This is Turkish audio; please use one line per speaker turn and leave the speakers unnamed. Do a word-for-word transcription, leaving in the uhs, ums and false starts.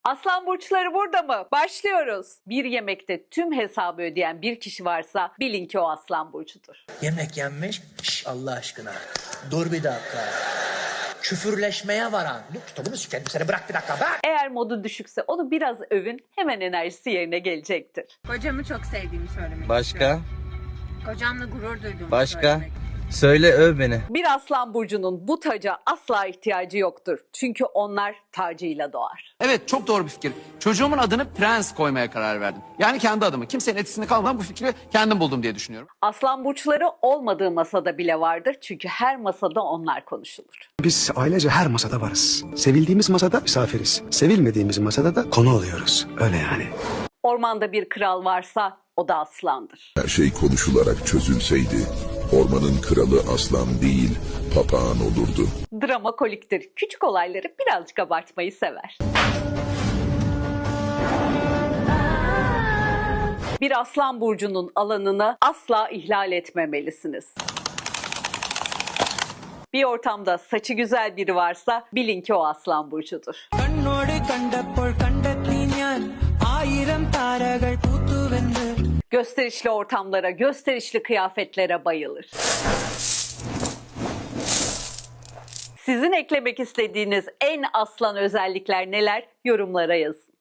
Aslan burçları burada mı? Başlıyoruz. Bir yemekte tüm hesabı ödeyen bir kişi varsa bilin ki o aslan burcudur.
Yemek yenmiş. Şş, Allah aşkına. Dur bir dakika. Küfürleşmeye varan. Dur kitabını sikerim seni, bırak bir dakika bırak.
Eğer modu düşükse onu biraz övün, hemen enerjisi yerine gelecektir.
Kocamı çok sevdiğimi söylemek
Başka?
istiyorum. Kocamla gurur duyduğumu
Başka?
söylemek.
Söyle, öv beni.
Bir aslan burcunun bu taca asla ihtiyacı yoktur. Çünkü onlar tacıyla doğar.
Evet, çok doğru bir fikir. Çocuğumun adını Prens koymaya karar verdim. Yani kendi adımı. Kimsenin etkisini kalmadan bu fikri kendim buldum diye düşünüyorum.
Aslan burçları olmadığı masada bile vardır. Çünkü her masada onlar konuşulur.
Biz ailece her masada varız. Sevildiğimiz masada misafiriz. Sevilmediğimiz masada da konu oluyoruz. Öyle yani.
Ormanda bir kral varsa o da aslandır.
Her şey konuşularak çözülseydi, ormanın kralı aslan değil, papağan olurdu.
Drama koliktir. Küçük olayları birazcık abartmayı sever. Bir aslan burcunun alanını asla ihlal etmemelisiniz. Bir ortamda saçı güzel biri varsa bilin ki o aslan burcudur. Gösterişli ortamlara, gösterişli kıyafetlere bayılır. Sizin eklemek istediğiniz en aslan özellikler neler? Yorumlara yazın.